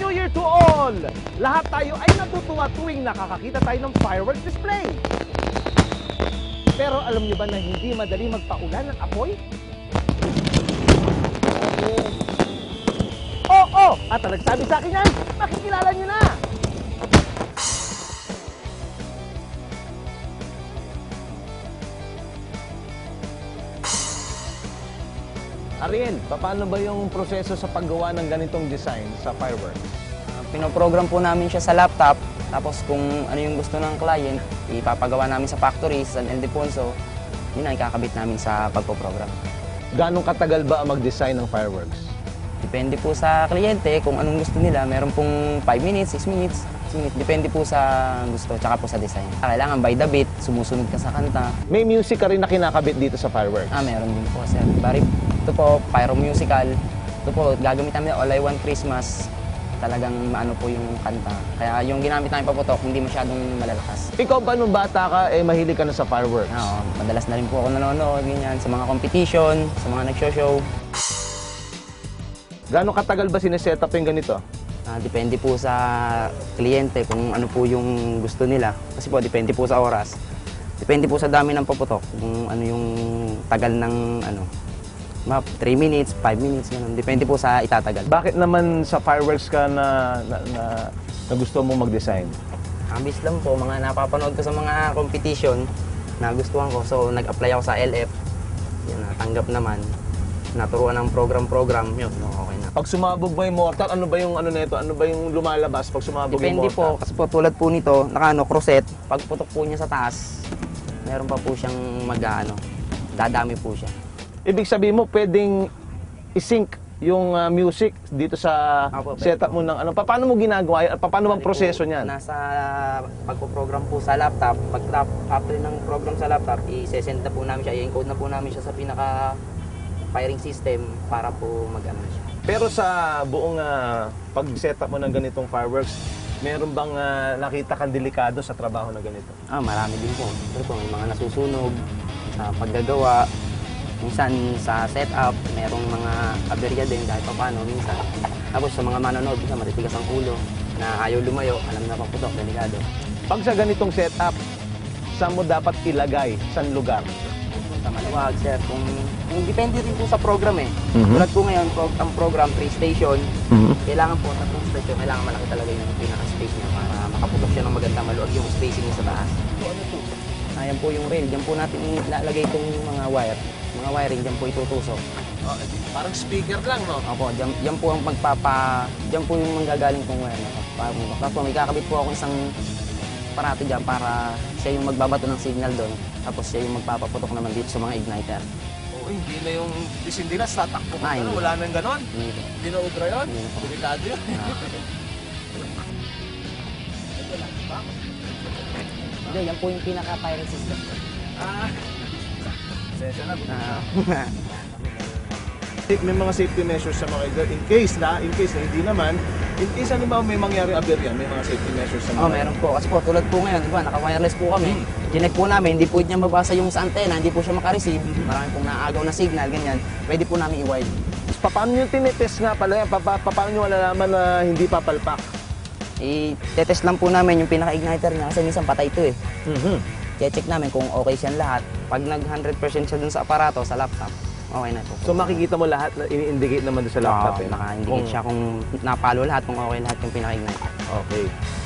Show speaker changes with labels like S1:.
S1: New Year to all! Lahat tayo ay natutuwa tuwing nakakakita tayo ng fireworks display. Pero alam niyo ba na hindi madali magpaulan ng apoy? Oo! At ang nagsabi sa akin yan, makikilala niyo na! Ariel, paano ba yung proseso sa paggawa ng ganitong design sa fireworks?
S2: Pinoprogram po namin siya sa laptop, tapos kung ano yung gusto ng client, ipapagawa namin sa factory, sa San Ildefonso, yun ang ikakabit namin sa pagpoprogram.
S1: Ganong katagal ba ang mag-design ng fireworks?
S2: Depende po sa kliyente kung anong gusto nila. Meron pong 5 minutes, 6 minutes, 6 minutes. Depende po sa gusto, tsaka po sa design. Kailangan by the beat, sumusunod ka sa kanta.
S1: May music ka rin na kinakabit dito sa fireworks?
S2: Meron din po, sir. Bari, ito po, pyro musical. Ito po, gagamit namin All I Want Christmas. Talagang maano po yung kanta. Kaya yung ginamit namin paputok, hindi masyadong malalakas.
S1: Ikaw ba nung bata ka, mahilig ka na sa fireworks?
S2: Oo, madalas na rin po ako nanonood, ganyan, sa mga competition, sa mga nag-show.
S1: Gano'ng katagal ba sineset up yung ganito?
S2: Depende po sa kliyente kung ano po yung gusto nila. Kasi po, depende po sa oras. Depende po sa dami ng paputok, kung ano yung tagal ng 3 minutes, 5 minutes, ganun. Depende po sa itatagal.
S1: Bakit naman sa fireworks ka na gusto mong mag-design?
S2: Ambis lang po, mga napapanood ko sa mga competition, nagustuhan ko. So, nag-apply ako sa LF. Yan, natanggap naman. Naturuan ng program-program, yun, okay na.
S1: Pag sumabog ba yung mortar, ano ba yung nito? Ano ba yung lumalabas pag sumabog yung
S2: Depende
S1: mortar?
S2: po, kasi po tulad po nito, crosset. Pag putok po niya sa taas, meron pa po siyang dadami po siya.
S1: Ibig sabihin mo, pwedeng i-sync yung music dito sa setup mo ng paano mo ginagawa yan? Paano bang proseso niyan?
S2: Nasa pagpo-program po sa laptop, after ng program sa laptop, i-send na po namin siya, i-encode na po namin siya sa firing system para po mag-ano siya.
S1: Pero sa buong pag-setup mo ng ganitong fireworks, meron bang nakita kang delikado sa trabaho na ganito?
S2: Marami din po. Pero po, may mga nasusunog sa paggagawa. Minsan sa setup, merong mga aberya din dahil paano minsan. Tapos sa mga manonood, minsan matitigas ang ulo na ayaw lumayo, alam na paputok, delikado.
S1: Pag sa ganitong setup, saan mo dapat ilagay? Saan lugar?
S2: Maluwag, sir. Kung depende rin po sa program Tulad po ngayon, ang program, 3 station, kailangan po, 3 station, kailangan malaki talaga yung pinaka-space niya para makaputok siya ng maganda, maluwag yung spacing niya sa taas. Ayan po yung rail, dyan po natin ilalagay itong mga wire. Mga wiring, dyan po itutusok.
S1: Parang speaker lang, no?
S2: Opo, dyan po ang dyan po yung manggagaling kong wire na to. Tapos may kakabit po ako isang parato dyan para siya yung magbabato ng signal doon. Tapos siya yung magpapaputok naman dito sa mga igniter.
S1: Hindi na yung disindinas, tatakbo ka
S2: hindi.
S1: wala nang ganon. Hindi na ubra yun?
S2: Hindi po.
S1: Delikado yun.
S2: Hindi, yan po yung pinaka-firing system.
S1: Sensya na. May mga safety measures sa mga in case na hindi naman, in case may mangyari aberya, may mga safety measures sa mga
S2: meron po. Kasi po, tulad po ngayon, diba, naka-wireless po kami. Chinek po namin, hindi po niya mabasa yung sa antena, hindi po siya makareceive. Marami pong naagaw na signal, ganyan. Pwede po namin i-wire.
S1: Paano nyo tinitest nga pala yan? Paano nyo malalaman na hindi papalpak?
S2: I-test lang po namin yung pinaka-igniter niya kasi minsan patay ito I-check namin kung okay siyang lahat. Pag nag-100% siya dun sa aparato, sa laptop, okay na po.
S1: So makikita mo lahat na ini-indicate naman doon sa laptop
S2: Naka-indicate siya kung napalo lahat, kung okay lahat yung pinaka-igniter.
S1: Okay.